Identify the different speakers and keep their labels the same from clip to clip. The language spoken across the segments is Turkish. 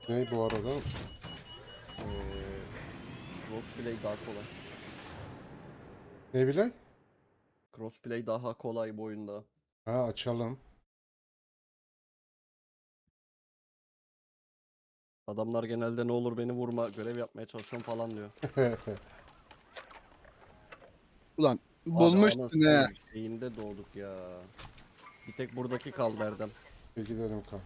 Speaker 1: Ne bu arada?
Speaker 2: Crossplay daha kolay.
Speaker 1: Ne bile?
Speaker 2: Crossplay daha kolay bu oyunda.
Speaker 1: Ha, açalım.
Speaker 2: Adamlar genelde ne olur beni vurma, görev yapmaya çalışıyorum falan diyor.
Speaker 3: Ulan
Speaker 2: Abi
Speaker 3: bulmuşsun he.
Speaker 2: şeyinde doğduk ya. Bir tek buradaki kaldı Erdem.
Speaker 1: Bir gidelim kan.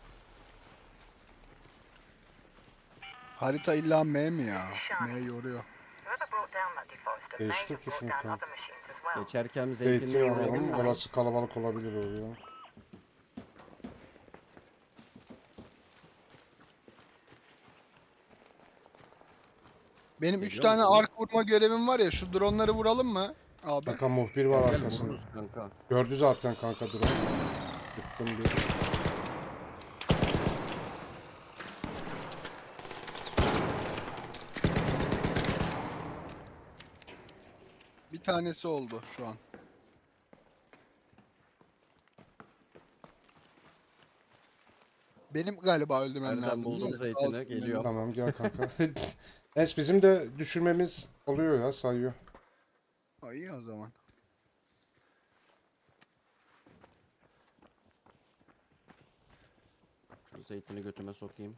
Speaker 3: Harita illa M mi ya? M yoruyor.
Speaker 1: Değiştir tuşunu kan.
Speaker 2: Geçerken
Speaker 1: Zeytin
Speaker 2: zeytinliğe uğrayalım
Speaker 1: alalım.
Speaker 2: mı?
Speaker 1: Orası kalabalık olabilir oluyor.
Speaker 3: Benim 3
Speaker 2: Geliyor
Speaker 3: tane
Speaker 2: musun?
Speaker 3: ark vurma görevim var ya, şu dronları vuralım mı abi?
Speaker 1: Kanka muhbir var
Speaker 2: Gel
Speaker 1: arkasında.
Speaker 2: vururuz kanka.
Speaker 1: Gördü zaten kanka drone. Gittim bir.
Speaker 3: Bir tanesi oldu şu an. Benim galiba öldürmem
Speaker 2: Erdem
Speaker 3: lazım değil
Speaker 2: buldum
Speaker 3: mi?
Speaker 2: zeytini,
Speaker 3: Altın
Speaker 2: geliyorum.
Speaker 1: Tamam gel kanka. Es bizim de düşürmemiz oluyor ya, sayıyor.
Speaker 3: Ha, iyi o zaman.
Speaker 2: Şu zeytini götüme sokayım.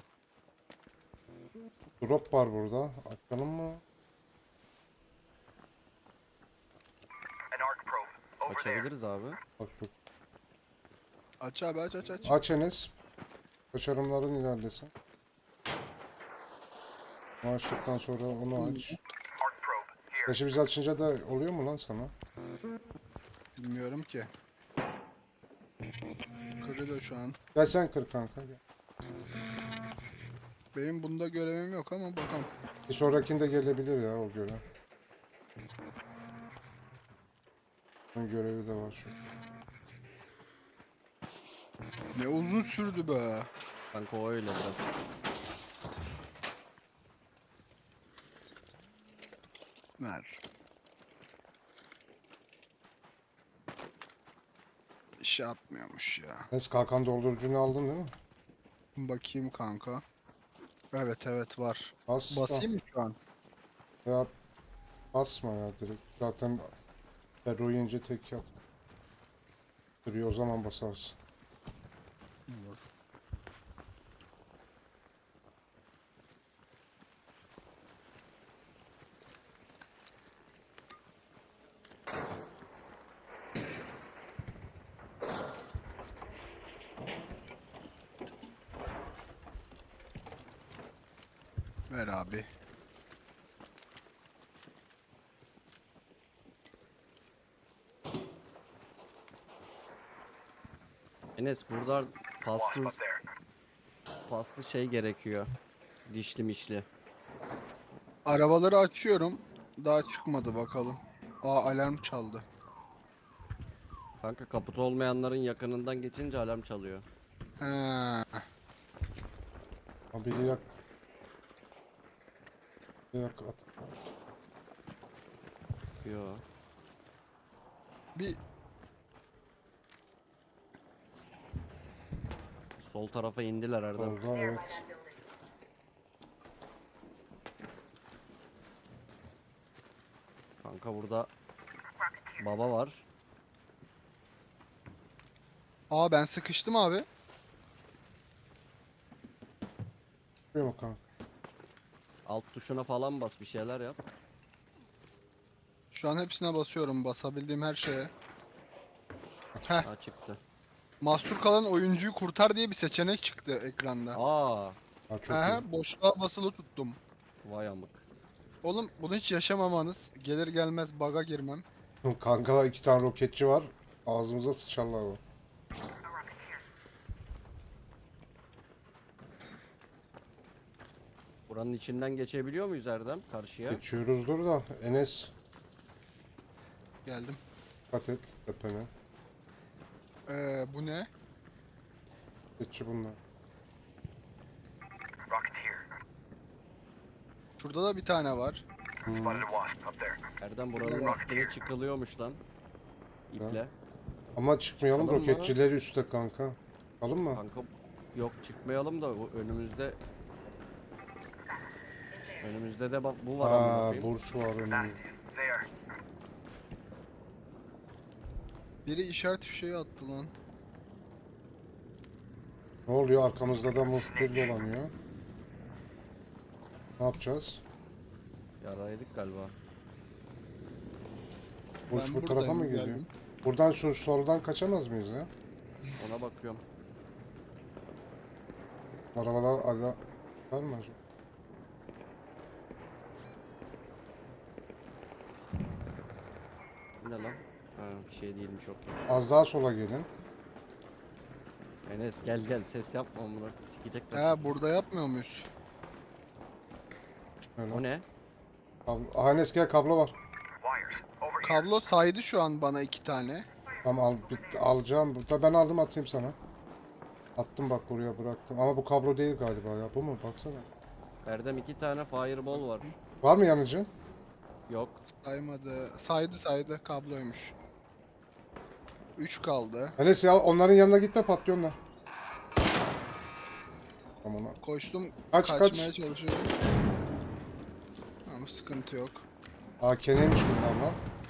Speaker 1: Drop var burada. Açalım mı?
Speaker 2: Açabiliriz abi.
Speaker 1: Bak şu.
Speaker 3: Aç abi, aç aç aç.
Speaker 1: Aç Enes. Başarımların ilerlesin. Onu açtıktan sonra onu aç. Yaşı biz açınca da oluyor mu lan sana?
Speaker 3: Bilmiyorum ki. Kırılıyor şu an.
Speaker 1: Gel sen kır kanka. Gel.
Speaker 3: Benim bunda görevim yok ama bakalım.
Speaker 1: Bir sonrakinde gelebilir ya o görev. Onun görevi de var şu.
Speaker 3: Ne uzun sürdü be.
Speaker 2: Kanka o öyle biraz.
Speaker 3: Ver. İş yapmıyormuş ya.
Speaker 1: Enes kalkan doldurucunu aldın değil mi?
Speaker 3: Bakayım kanka. Evet evet var.
Speaker 1: Bas.
Speaker 3: Basayım mı şu an?
Speaker 1: Ya basma ya direkt. Zaten Ferro yiyince tek yat. Duruyor, o zaman basarsın.
Speaker 3: Olur. Ver abi.
Speaker 2: Enes burada paslı şey gerekiyor. Dişli mişli.
Speaker 3: Arabaları açıyorum. Daha çıkmadı bakalım. Aa, alarm çaldı.
Speaker 2: Kanka kaputu olmayanların yakınından geçince alarm çalıyor.
Speaker 3: He.
Speaker 1: Abi biri yak. Biri yak at.
Speaker 2: Yo.
Speaker 3: Bir
Speaker 2: Sol tarafa indiler Erdem.
Speaker 1: Orada evet.
Speaker 2: Kanka burada baba var.
Speaker 3: Aa, ben sıkıştım abi.
Speaker 1: Çıkıyor mu kanka?
Speaker 2: Alt tuşuna falan bas, bir şeyler yap.
Speaker 3: Şu an hepsine basıyorum. Basabildiğim her şeye. Heh.
Speaker 2: Ha çıktı.
Speaker 3: Mahsur kalan oyuncuyu kurtar diye bir seçenek çıktı ekranda.
Speaker 2: Aa,
Speaker 1: Ha, çok
Speaker 3: He, boşluğa basılı tuttum.
Speaker 2: vay amık.
Speaker 3: Oğlum bunu hiç yaşamamanız. Gelir gelmez bug'a girmem.
Speaker 1: iyi. Kanka 2 tane roketçi var. Ağzımıza sıçarlar o.
Speaker 2: Buranın içinden geçebiliyor muyuz Erdem karşıya?
Speaker 1: Geçiyoruzdur da Enes
Speaker 3: Geldim.
Speaker 1: dikkat et tepene.
Speaker 3: Bu ne?
Speaker 1: Geçici bunlar.
Speaker 3: Şurada da bir tane var.
Speaker 1: Hmm.
Speaker 2: Erdem buranın üstüne çıkılıyormuş lan. İple.
Speaker 1: Ama çıkmayalım,
Speaker 2: Çıkalım mı?
Speaker 1: roketçileri üstte kanka. Alın mı?
Speaker 2: Kanka Yok çıkmayalım da bu önümüzde. Önümüzde de bak bu var amına
Speaker 1: Ha,
Speaker 2: koyayım.
Speaker 1: burç var önümüzde.
Speaker 3: Biri işaret fişeği attı lan.
Speaker 1: Ne oluyor? Arkamızda da muhbir dolanıyor. Ne yapacağız?
Speaker 2: Yaraydık galiba.
Speaker 1: Burç
Speaker 3: Ben
Speaker 1: bu tarafa
Speaker 3: buradayım,
Speaker 1: mı geliyor?
Speaker 3: geldim.
Speaker 1: Buradan şu soldan kaçamaz mıyız ya?
Speaker 2: Ona bakıyorum.
Speaker 1: Arabalar ala var mı acaba?
Speaker 2: Bu ne lan? Ha, bir şey değilmiş okey.
Speaker 1: Az daha sola gelin.
Speaker 2: Enes gel gel ses yapma amına. Sikecekler.
Speaker 3: Ha, burada yapmıyor muyuz?
Speaker 1: Öyle.
Speaker 2: O ne?
Speaker 1: Kablo. Aha, Enes gel, kablo var.
Speaker 3: Kablo saydı şu an bana 2 tane.
Speaker 1: Tamam al, alacağım. Burada ben aldım, atayım sana. Attım bak, buraya bıraktım. Ama bu kablo değil galiba ya. Bu mu? Baksana.
Speaker 2: Erdem 2 tane fireball var.
Speaker 1: Var mı yanıcı?
Speaker 2: Yok.
Speaker 3: Saymadı. Saydı kabloymuş. 3 kaldı.
Speaker 1: Enes ya, onların yanına gitme, patlıyor onlar. Tamam.
Speaker 3: Koştum,
Speaker 1: Kaç,
Speaker 3: kaçmaya
Speaker 1: kaç.
Speaker 3: çalışıyorum. Ama sıkıntı yok.
Speaker 1: Aa, keneymiş bunlar lan.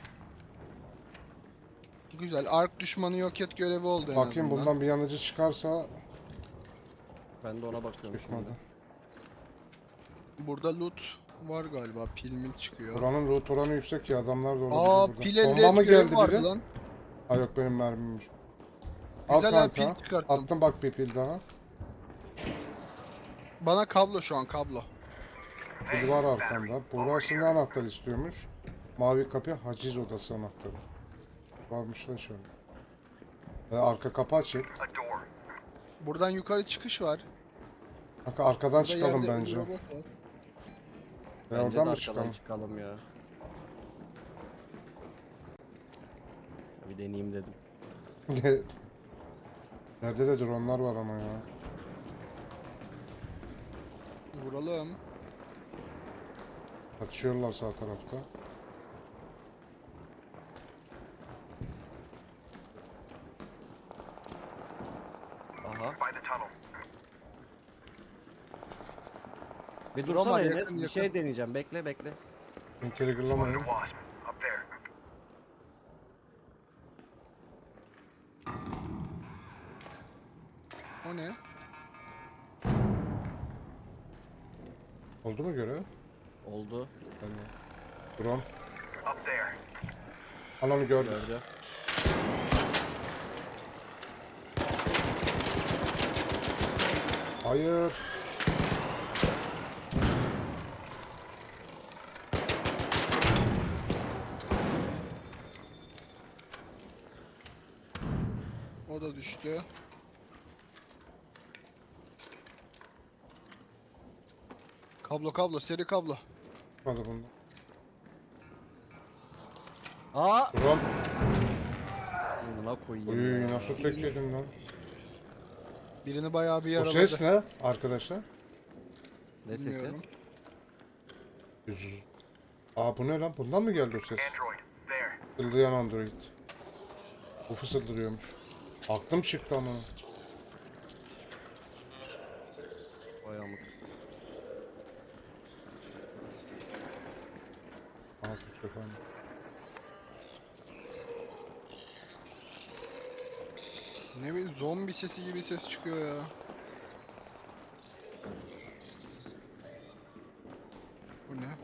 Speaker 3: Güzel. Ark düşmanı yok et görevi oldu en
Speaker 1: Bakayım,
Speaker 3: azından.
Speaker 1: bundan bir yanıcı çıkarsa
Speaker 2: Ben de ona bakıyorum
Speaker 1: düşmadı.
Speaker 2: şimdi.
Speaker 3: Burada loot var galiba. Pil mil çıkıyor.
Speaker 1: Buranın loot oranı yüksek ya, adamlar da olabilir
Speaker 3: Aa,
Speaker 1: burada.
Speaker 3: pil elde
Speaker 1: Bomba mı
Speaker 3: et görevi
Speaker 1: geldi
Speaker 3: vardı
Speaker 1: biri?
Speaker 3: lan.
Speaker 1: Ha yok, benim mermimmiş. Al
Speaker 3: Güzel ha,
Speaker 1: kanka.
Speaker 3: pil çıkarttım.
Speaker 1: Attım bak, bir pil daha.
Speaker 3: Bana kablo şu an kablo.
Speaker 1: Pil var arkamda. Burası ne anahtar istiyormuş? Mavi kapı haciz odası anahtarı. Varmış lan şöyle. Arka kapı açık.
Speaker 3: Buradan yukarı çıkış var.
Speaker 1: Kanka arkadan
Speaker 3: Burada
Speaker 1: çıkalım
Speaker 3: yerde
Speaker 1: bence.
Speaker 3: bir robot var.
Speaker 1: Ve
Speaker 2: Bence de
Speaker 1: oradan mı
Speaker 2: arkadan
Speaker 1: çıkalım?
Speaker 2: çıkalım ya. Bir deneyeyim dedim.
Speaker 1: Nerede de dronlar var ama ya.
Speaker 3: Vuralım.
Speaker 1: Atışıyorlar sağ tarafta.
Speaker 2: Aha. Bir
Speaker 3: Drone
Speaker 2: dursana
Speaker 3: var,
Speaker 2: Enes.
Speaker 3: yakın,
Speaker 2: Bir
Speaker 3: yakın.
Speaker 2: şey deneyeceğim. Bekle bekle.
Speaker 1: Triggerlamayın.
Speaker 3: O ne?
Speaker 1: Oldu mu görev?
Speaker 2: Oldu.
Speaker 1: Drone. Anamı gördüm.
Speaker 2: Gördü.
Speaker 1: Hayır.
Speaker 3: O da düştü. Kablo seri kablo.
Speaker 1: Hadi bunda.
Speaker 2: Aa!
Speaker 1: Drone.
Speaker 2: Buna koyayım.
Speaker 1: Uy,
Speaker 2: ya.
Speaker 1: nasıl tekledin lan?
Speaker 3: Birini bayağı bir
Speaker 1: Bu
Speaker 3: yaraladı.
Speaker 1: ses ne arkadaşlar?
Speaker 2: Ne sesi?
Speaker 3: Bilmiyorum.
Speaker 1: Aa, bu ne lan? Bundan mı geldi o ses? Fısıldayan Android. Bu fısıldırıyormuş. Aklım çıktı ama.
Speaker 2: Vay amık.
Speaker 1: Aha, Türkçe falan.
Speaker 3: Ne bileyim, zombi sesi gibi ses çıkıyor ya. Bu ne?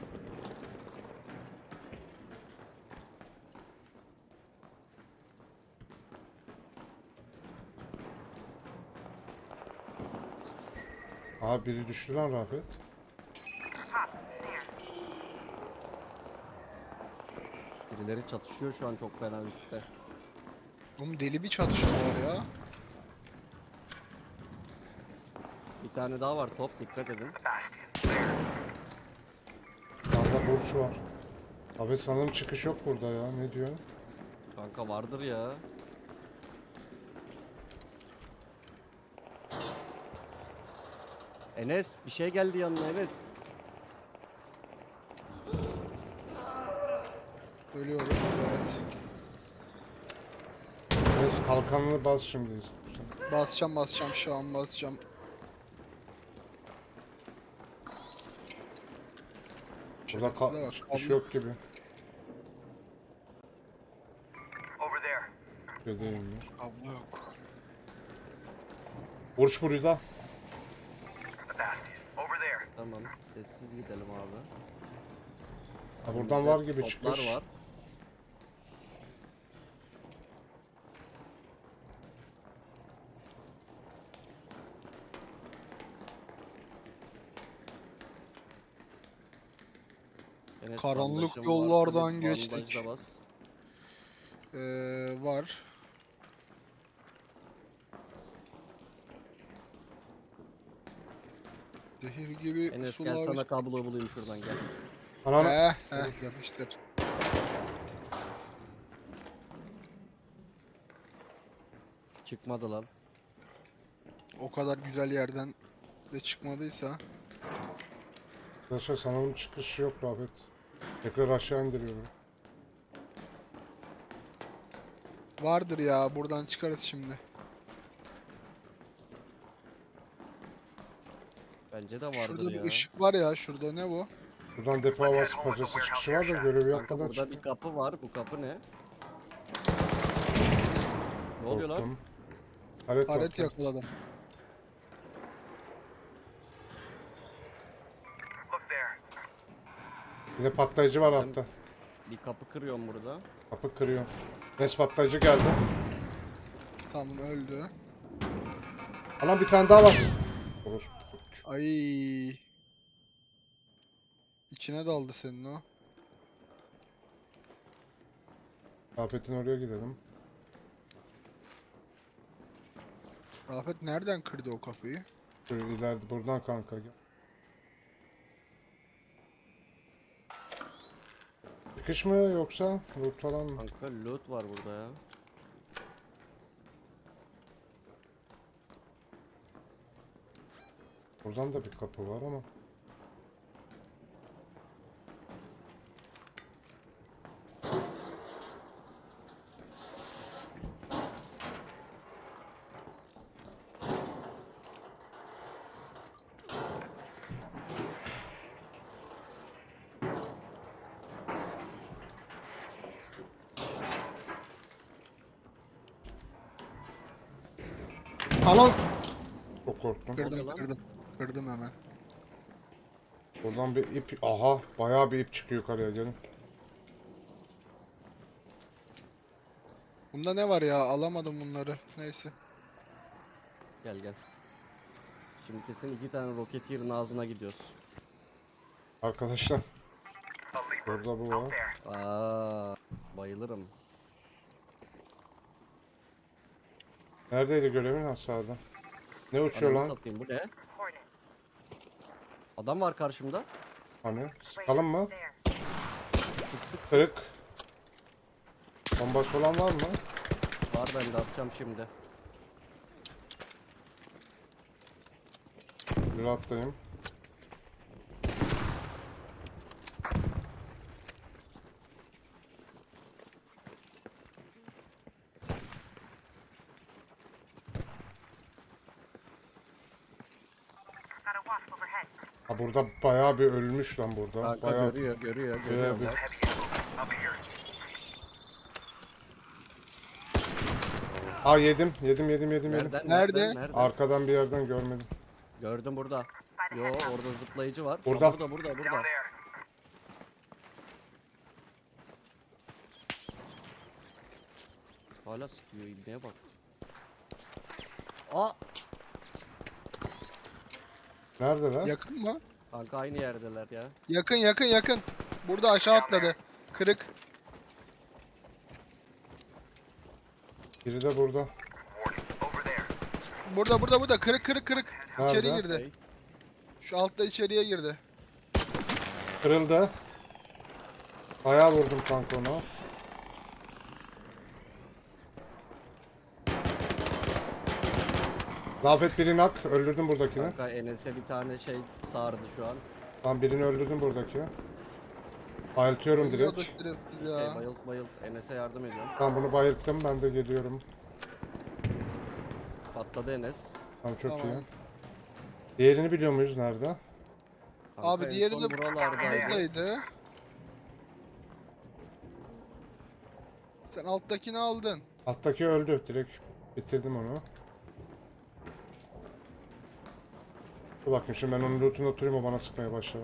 Speaker 1: Aa, biri düştü lan Rafet.
Speaker 2: Birileri çatışıyor şu an çok fena üstte.
Speaker 3: Oğlum deli bir çatışma var ya.
Speaker 2: Bir tane daha var top dikkat edin.
Speaker 1: Sağda burç var. Abi sanırım çıkış yok burada ya. Ne diyorsun?
Speaker 2: Kanka vardır ya. Enes bir şey geldi yanına Enes.
Speaker 3: Ölüyorum. Evet.
Speaker 1: Neyse, kalkanını bas şimdi.
Speaker 3: Basacağım şu an basacağım.
Speaker 1: Burada
Speaker 3: Şerefsize bak,
Speaker 1: çıkış
Speaker 3: kablo-
Speaker 1: yok gibi.
Speaker 4: Over there.
Speaker 1: Şey değilmiş.
Speaker 3: kablo yok.
Speaker 1: Vuruş burada.
Speaker 4: The basket. Over there.
Speaker 2: Tamam. Sessiz gidelim abi.
Speaker 1: Ha, buradan var gibi
Speaker 2: Toplar
Speaker 1: çıkış.
Speaker 2: var. Enes,
Speaker 3: Karanlık
Speaker 2: bandajın
Speaker 3: yollardan
Speaker 2: varsa bir
Speaker 3: geçtik.
Speaker 2: bandajla bas.
Speaker 3: Var. Zehir gibi
Speaker 2: Enes gel
Speaker 3: sular.
Speaker 2: sana kablo bulayım şuradan gel.
Speaker 1: Ananı.
Speaker 3: Yapıştır.
Speaker 2: Çıkmadı lan.
Speaker 3: O kadar güzel yerden de çıkmadıysa.
Speaker 1: Arkadaşlar sanırım çıkış yok Rafet. Tekrar aşağı indiriyorum.
Speaker 3: Vardır ya, buradan çıkarız şimdi.
Speaker 2: Bence de vardır
Speaker 3: Şurada bir
Speaker 2: ya.
Speaker 3: ışık var ya, şurada ne bu?
Speaker 1: Buradan depo havası bacası çıkışı var da görevi
Speaker 2: Kanka
Speaker 1: yapmadan
Speaker 2: burada bir
Speaker 1: çıktım.
Speaker 2: kapı var. Bu kapı ne? Ne oluyor lan?
Speaker 1: Korktum. Taret var.
Speaker 3: Taret yakaladım.
Speaker 4: Look there.
Speaker 1: Bir de patlayıcı var altta.
Speaker 2: Bir kapı kırıyorum burada.
Speaker 1: Kapı kırıyor. Nes patlayıcı geldi.
Speaker 3: Tamam, öldü.
Speaker 1: Anam bir tane daha var. Orospu.
Speaker 3: Ay. İçine daldı senin o.
Speaker 1: Rafet'in oraya gidelim.
Speaker 3: Rafet nereden kırdı o kapıyı?
Speaker 1: Şöyle ileride buradan kanka gel. Çıkış mı yoksa loot falan mı?
Speaker 2: Kanka loot var burada ya.
Speaker 1: Buradan da bir kapı var ama. Anam! Çok korktum.
Speaker 2: oluyor
Speaker 3: Kırdım
Speaker 2: lan?
Speaker 3: kırdım. Kırdım hemen.
Speaker 1: Buradan bir ip, aha bayağı bir ip çıkıyor yukarıya gelin.
Speaker 3: Bunda ne var ya? Alamadım bunları. Neyse.
Speaker 2: Gel gel. Şimdi kesin 2 tane Rocketeer'ın ağzına gidiyoruz.
Speaker 1: Arkadaşlar
Speaker 4: A leaper.
Speaker 1: burada bu
Speaker 4: Out
Speaker 1: var.
Speaker 4: there.
Speaker 2: Aa, bayılırım.
Speaker 1: Neredeydi görevin aşağıda? Ne uçuyor
Speaker 2: Ananı
Speaker 1: lan?
Speaker 2: satayım, bu ne?
Speaker 5: Hornet.
Speaker 2: Adam var karşımda.
Speaker 1: Hani? Sıkalım mı?
Speaker 5: There.
Speaker 2: Sık sık.
Speaker 1: Kırık. Bombası olan var mı?
Speaker 2: Var, ben de atacağım şimdi.
Speaker 1: Bir atlayayım.
Speaker 5: Got a wasp overhead.
Speaker 1: Ha burada bayağı bir ölmüş lan burada.
Speaker 2: Kanka
Speaker 1: Bayağı
Speaker 2: görüyor.
Speaker 1: bir-
Speaker 2: Bak.
Speaker 4: Heavy ammo. Up here.
Speaker 1: Aa yedim.
Speaker 2: Nereden?
Speaker 3: Nerede?
Speaker 1: Arkadan bir yerden görmedim.
Speaker 2: Gördüm burada. Yo, orada zıplayıcı var.
Speaker 1: Burada.
Speaker 2: Aa, burada.
Speaker 4: Down there.
Speaker 2: Hala sıkıyor, ibneye bak. Aa,
Speaker 1: Nerede lan?
Speaker 3: Yakın mı?
Speaker 2: kanka aynı yerdeler ya.
Speaker 3: Yakın. Burada aşağı atladı. Kırık.
Speaker 1: Biri de burada.
Speaker 4: Warning. Over there.
Speaker 3: Burada. Kırık. İçeri
Speaker 1: Nerede?
Speaker 3: girdi.
Speaker 2: Okey.
Speaker 3: Şu altta içeriye girdi.
Speaker 1: Kırıldı. Bayağı vurdum kanka ona. Rafet birini hak. Öldürdüm buradakini.
Speaker 2: Kanka Enes'e bir tane şey sardı şu an.
Speaker 1: Tam birini öldürdüm buradaki. Bayıltıyorum
Speaker 3: Ölüyordu
Speaker 1: direkt.
Speaker 3: şerefsiz ya.
Speaker 2: Bayılt. Enes'e yardım ediyorum.
Speaker 1: Tamam bunu bayılttım. Ben de geliyorum.
Speaker 2: Patladı Enes.
Speaker 1: Tamam çok
Speaker 3: Tamam.
Speaker 1: iyi. Diğerini biliyor muyuz nerede?
Speaker 2: Kanka
Speaker 3: Abi
Speaker 2: en
Speaker 3: diğeri
Speaker 2: son
Speaker 3: de
Speaker 2: buralardaydı.
Speaker 3: buradaydı. Sen alttakini aldın.
Speaker 1: Alttaki öldü. Direkt bitirdim onu. Dur bakayım şimdi ben onun lootunda oturayım o bana sıkmaya başlar.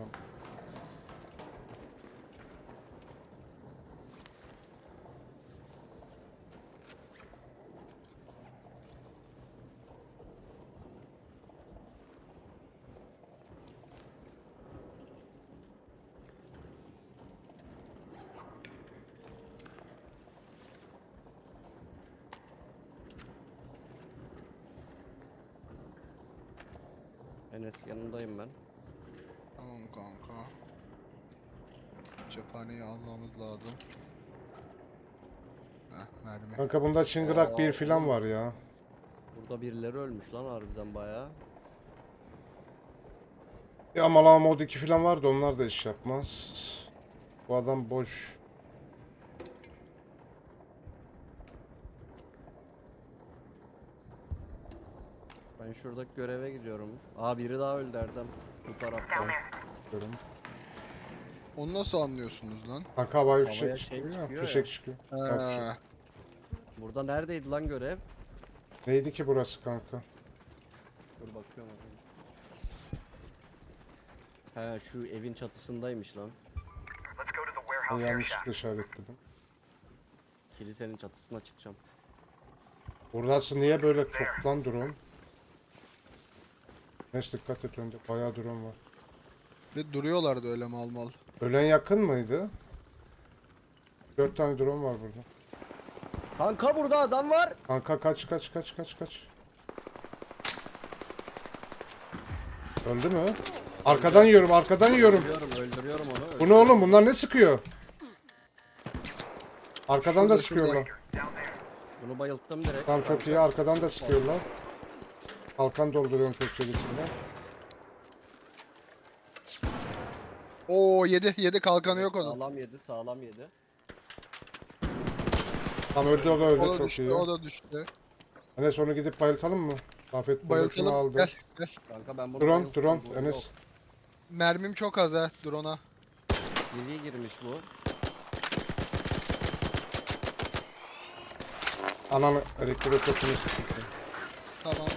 Speaker 2: Enes yanındayım ben.
Speaker 3: Tamam kanka. Cephaneyi almamız lazım. Heh, mermi.
Speaker 1: Kanka bunda çıngırak bir
Speaker 2: Aa,
Speaker 1: filan
Speaker 2: oğlum.
Speaker 1: var ya.
Speaker 2: Burada birileri ölmüş lan harbiden bayağı.
Speaker 1: Ya Malama mod 2 filan vardı onlar da iş yapmaz. Bu adam boş.
Speaker 2: Ben şuradaki göreve gidiyorum. Aa biri daha öldü Erdem. Bu tarafta.
Speaker 1: Diyorum.
Speaker 3: Onu nasıl anlıyorsunuz lan?
Speaker 1: Kanka havai
Speaker 2: Havaya
Speaker 1: fişek
Speaker 2: şey
Speaker 1: çıkıyor ya.
Speaker 2: çıkıyor ya.
Speaker 1: Fişek çıkıyor. Ya, fişek.
Speaker 3: He.
Speaker 2: Burada neredeydi lan görev?
Speaker 1: Neydi ki burası kanka?
Speaker 2: Dur bakıyorum. He şu evin çatısındaymış lan.
Speaker 4: Let's go to the
Speaker 1: Ben
Speaker 4: warehouse area
Speaker 1: yanlışlıkla
Speaker 4: shack.
Speaker 1: işaretledim.
Speaker 2: Kilisenin çatısına çıkacağım.
Speaker 1: Burası niye böyle çok lan drone? Neyse dikkat et önce. Bayağı drone var.
Speaker 3: Ve duruyorlardı öyle mal mal.
Speaker 1: Ölen yakın mıydı? 4 tane drone var burada.
Speaker 2: Kanka burada adam var.
Speaker 1: Kanka kaç. Öldü mü? Arkadan yiyorum.
Speaker 2: Öldürüyorum onu.
Speaker 1: Bu ne oğlum? Bunlar ne sıkıyor? Arkadan da
Speaker 3: Şurada,
Speaker 1: sıkıyorlar.
Speaker 4: Down there.
Speaker 2: Bunu bayılttım direkt.
Speaker 1: Tamam çok iyi. Arkadan da sıkıyorlar. Kalkan dolduruyorum çok çelikinde.
Speaker 3: Oo yedi kalkanı yok onun.
Speaker 2: Sağlam yedi, sağlam yedi.
Speaker 1: Tam öldü o da öldü
Speaker 3: O da
Speaker 1: çok
Speaker 3: düştü,
Speaker 1: iyi.
Speaker 3: o da düştü.
Speaker 1: Enes onu gidip bayıltalım mı? Afet bunu
Speaker 3: Bayıltalım.
Speaker 1: aldı.
Speaker 3: Gel gel.
Speaker 2: Kanka ben bunu
Speaker 1: Drone,
Speaker 2: bayılttım,
Speaker 1: drone,
Speaker 2: bu
Speaker 1: Enes.
Speaker 2: yok.
Speaker 3: Mermim çok az ha drone'a.
Speaker 2: Geriye girmiş bu.
Speaker 1: Ananı elektriğe çok iyi sıkıntı.
Speaker 3: Tamam.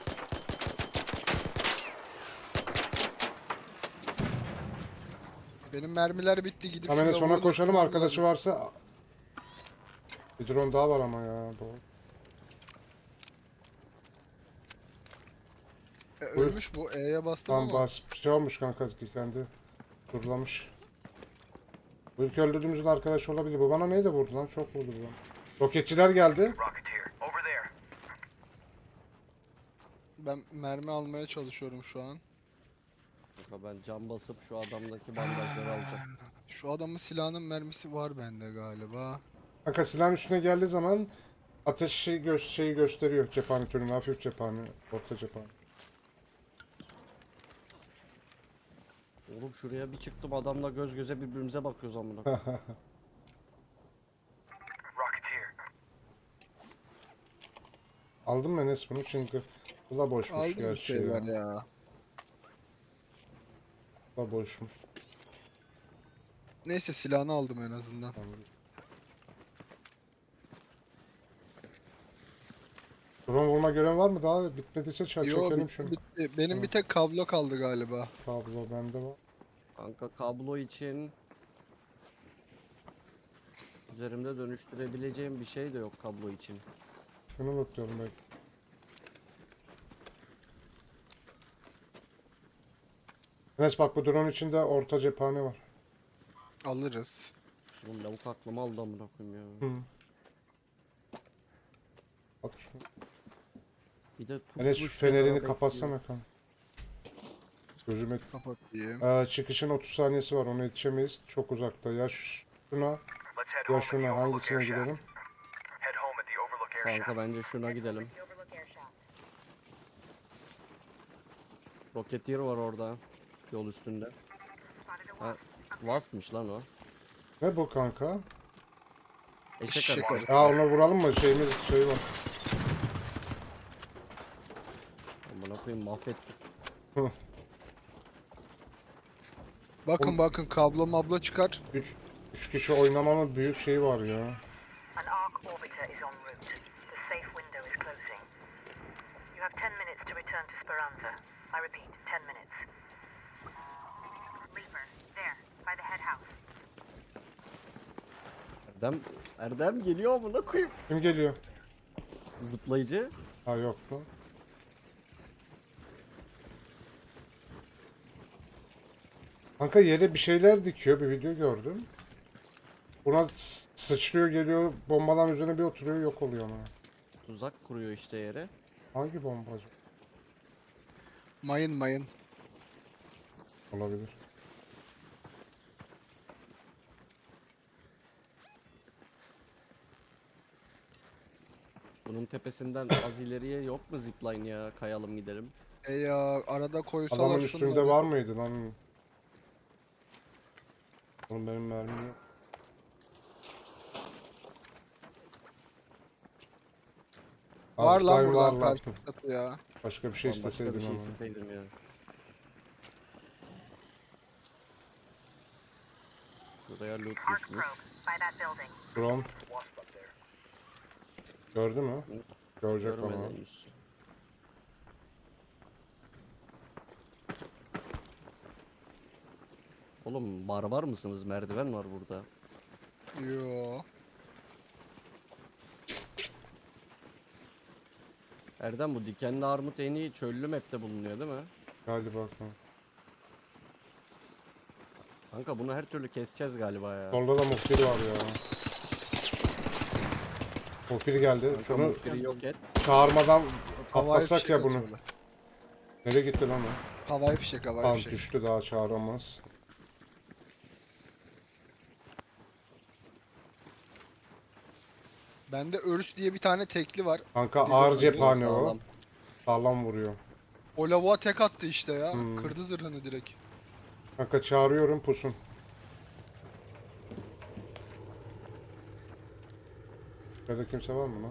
Speaker 3: Benim mermiler bitti gidip
Speaker 1: Tamam Enes
Speaker 3: şurada
Speaker 1: ona
Speaker 3: vuralım,
Speaker 1: koşalım
Speaker 3: vuralım
Speaker 1: arkadaşı
Speaker 3: lazım.
Speaker 1: varsa. Bir drone daha var ama ya. Doğru.
Speaker 3: Ölmüş bu. E'ye bastım
Speaker 1: Tamam
Speaker 3: ama.
Speaker 1: bas. Şey olmuş kanka kendi. Durlamış. Bu ilk öldürdüğümüzün arkadaşı olabilir. Bu bana neyle vurdu lan? Çok vurdu bu lan. Roketçiler geldi.
Speaker 4: Rocketeer, over there.
Speaker 3: Ben mermi almaya çalışıyorum şu an.
Speaker 2: Kanka ben cam basıp şu adamdaki bandajları alacağım.
Speaker 3: Şu adamın silahının mermisi var bende galiba.
Speaker 1: Kanka silahın üstüne geldiği zaman ateş şeyi gösteriyor. Cephane türünü. Hafif cephane. Orta cephane.
Speaker 2: Oğlum şuraya bir çıktım adamla göz göze birbirimize bakıyoruz amına. koyayım.
Speaker 4: Rocketeer.
Speaker 1: Aldın mı Enes bunu? Çünkü bu da boşmuş
Speaker 3: Aldım bir
Speaker 1: gerçi
Speaker 3: şeyler
Speaker 1: ya.
Speaker 3: ya.
Speaker 1: Bu da boşmuş.
Speaker 3: Neyse silahını aldım en azından.
Speaker 1: Tamam. Drone vurma görevi var mı? Daha bitmediyse
Speaker 3: Yo
Speaker 1: çekelim şunu.
Speaker 3: bitti. Benim bir tek kablo kaldı galiba.
Speaker 1: Kablo bende var.
Speaker 2: Kanka kablo için üzerimde dönüştürebileceğim bir şey de yok kablo için.
Speaker 1: Şunu unutuyorum belki. Enes bak bu drone içinde orta cephane var.
Speaker 3: Alırız.
Speaker 2: Oğlum lavuk aklımı aldı amına koyayım ya.
Speaker 1: Hı. At şunu.
Speaker 2: Bir de
Speaker 1: Enes şu
Speaker 2: tuşmuş
Speaker 1: fenerini
Speaker 2: kenara
Speaker 1: kapatsana kanka. Gözüme...
Speaker 3: Kapatayım.
Speaker 1: çıkışın 30 saniyesi var ona yetişemeyiz. Çok uzakta. Ya şuna
Speaker 4: Let's head
Speaker 1: ya
Speaker 4: home at the
Speaker 1: şuna
Speaker 4: Overlook
Speaker 1: hangisine
Speaker 4: Air Shack.
Speaker 1: gidelim?
Speaker 4: Head home at the Overlook Air
Speaker 2: bekliyor.
Speaker 4: Shack.
Speaker 2: Kanka bence şuna gidelim.
Speaker 5: The Overlook Air Shaft.
Speaker 2: Rocketeer var orada. Yol üstünde. Ha, Wasp'mış lan o.
Speaker 1: Ne bu kanka?
Speaker 2: Eşek
Speaker 3: Eşek
Speaker 2: arısı.
Speaker 3: arısı.
Speaker 1: Ya ona vuralım mı? Şeyimiz şey var.
Speaker 2: koyayım mahvettik.
Speaker 3: Bakın bakın kablo mablo çıkar.
Speaker 1: 3 kişi oynamanın büyük şeyi var ya.
Speaker 5: An arc orbiter is en route. The safe window is closing. You have 10 minutes to return to Speranza. I repeat, 10 minutes. Reaper, there, by the head house.
Speaker 2: Erdem geliyor amına koyayım.
Speaker 1: Kim geliyor?
Speaker 2: Zıplayıcı.
Speaker 1: Ha yok mu? Kanka yere bir şeyler dikiyor. Bir video gördüm. Buna sıçrıyor geliyor. Bombaların üzerine bir oturuyor yok oluyor ona.
Speaker 2: Tuzak kuruyor işte yere.
Speaker 1: Hangi bombacı?
Speaker 3: Mayın.
Speaker 1: Olabilir.
Speaker 2: Bunun tepesinden az ileriye yok mu zipline ya? Kayalım gidelim.
Speaker 3: Ya arada koysalar
Speaker 1: Adamın
Speaker 3: şunları.
Speaker 1: üstünde var mıydı lan? Oğlum benim mermim yok.
Speaker 3: Var lan
Speaker 1: Azıcık
Speaker 3: buradan
Speaker 1: var.
Speaker 3: karşı katı ya.
Speaker 1: Başka bir şey
Speaker 2: Ulan başka bir
Speaker 1: isteseydim
Speaker 2: şey
Speaker 1: ama.
Speaker 2: isteseydim ya. Buraya loot
Speaker 5: Arc
Speaker 2: düşmüş.
Speaker 5: probe, by that building.
Speaker 1: Drone
Speaker 4: Wasp up there.
Speaker 1: gördü mü? Görecek ama.
Speaker 2: Görmeden henüz. Oğlum barbar mısınız? Merdiven var burada.
Speaker 3: Yo.
Speaker 2: Erdem bu dikenli armut en iyi çöllü map'te bulunuyor değil mi?
Speaker 1: Galiba bakalım.
Speaker 2: Kanka bunu her türlü keseceğiz galiba ya.
Speaker 1: Solda da muhbir var ya. Muhbir geldi.
Speaker 2: Kanka
Speaker 1: Şunu
Speaker 2: muhbiri yok et.
Speaker 1: çağırmadan
Speaker 3: Havai
Speaker 1: atlasak
Speaker 3: fişek
Speaker 1: ya bunu.
Speaker 3: atıyorlar.
Speaker 1: Nereye gitti lan o?
Speaker 3: Havai fişek havai
Speaker 1: Tamam
Speaker 3: fişek.
Speaker 1: düştü daha çağıramaz.
Speaker 3: Bende Örüs diye bir tane tekli var.
Speaker 1: Kanka
Speaker 3: Bir
Speaker 1: ağır
Speaker 3: bakın,
Speaker 1: cephane o.
Speaker 2: Sağlam.
Speaker 1: Sağlam vuruyor.
Speaker 3: O lavuğa tek attı işte ya.
Speaker 1: Hmm.
Speaker 3: Kırdı zırhını direkt.
Speaker 1: Kanka çağırıyorum pusun. Şurada kimse var mı lan?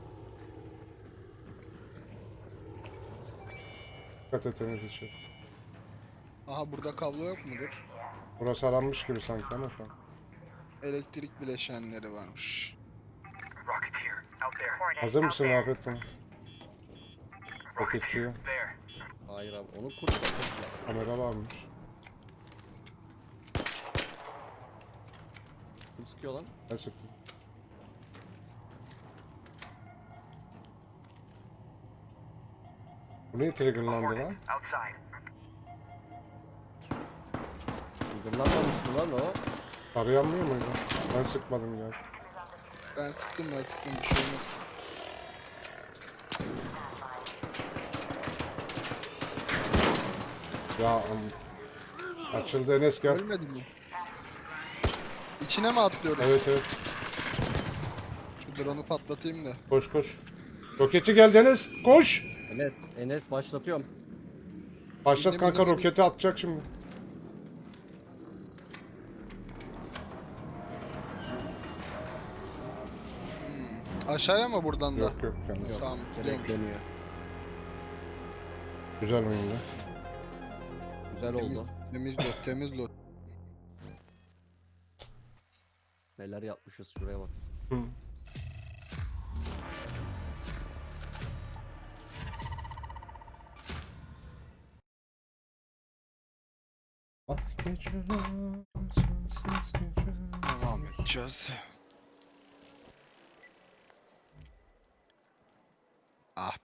Speaker 1: Dikkat et temiz içi.
Speaker 3: Aha burada kablo yok mudur?
Speaker 1: Burası aranmış gibi sanki ama şu an.
Speaker 3: Elektrik bileşenleri varmış.
Speaker 4: Rocketeer, out there.
Speaker 5: Coordinate
Speaker 1: Hazır
Speaker 5: out
Speaker 1: mısın
Speaker 5: there.
Speaker 1: Rafet bunu? Roketçiye.
Speaker 4: There.
Speaker 2: Hayır abi onu kur.
Speaker 1: Kamera varmış.
Speaker 2: Kim sıkıyor lan?
Speaker 1: Ne sıktın? Bu niye triggerlandı
Speaker 4: Hornet,
Speaker 1: lan?
Speaker 4: outside.
Speaker 2: Yıldırlanmamış mı lan o?
Speaker 1: Arayanmıyor muydu? Ben sıkmadım ya.
Speaker 3: Ben sıktım bir şey olmaz.
Speaker 1: Açıldı Enes gel.
Speaker 3: Ölmedi mi? İçine mi atlıyoruz?
Speaker 1: Evet evet.
Speaker 3: Şu drone'u patlatayım da.
Speaker 1: Koş koş. Roketçi geldi Enes. Koş.
Speaker 2: Enes başlatıyorum.
Speaker 1: Başlat
Speaker 3: Bildim,
Speaker 1: kanka
Speaker 3: bildim.
Speaker 1: roketi atacak şimdi.
Speaker 3: Aşağıya mı buradan da?
Speaker 1: Yok yok kendisi.
Speaker 3: Tamam
Speaker 2: Direkt
Speaker 3: gidiyorum.
Speaker 2: dönüyor.
Speaker 1: Güzel oyunda.
Speaker 2: Güzel
Speaker 3: Temiz,
Speaker 2: oldu.
Speaker 3: temiz loot, temiz loot.
Speaker 2: Neler yapmışız şuraya bak.
Speaker 1: Hı. Bak geceler, sensiz geceler.
Speaker 3: Devam edeceğiz. Ah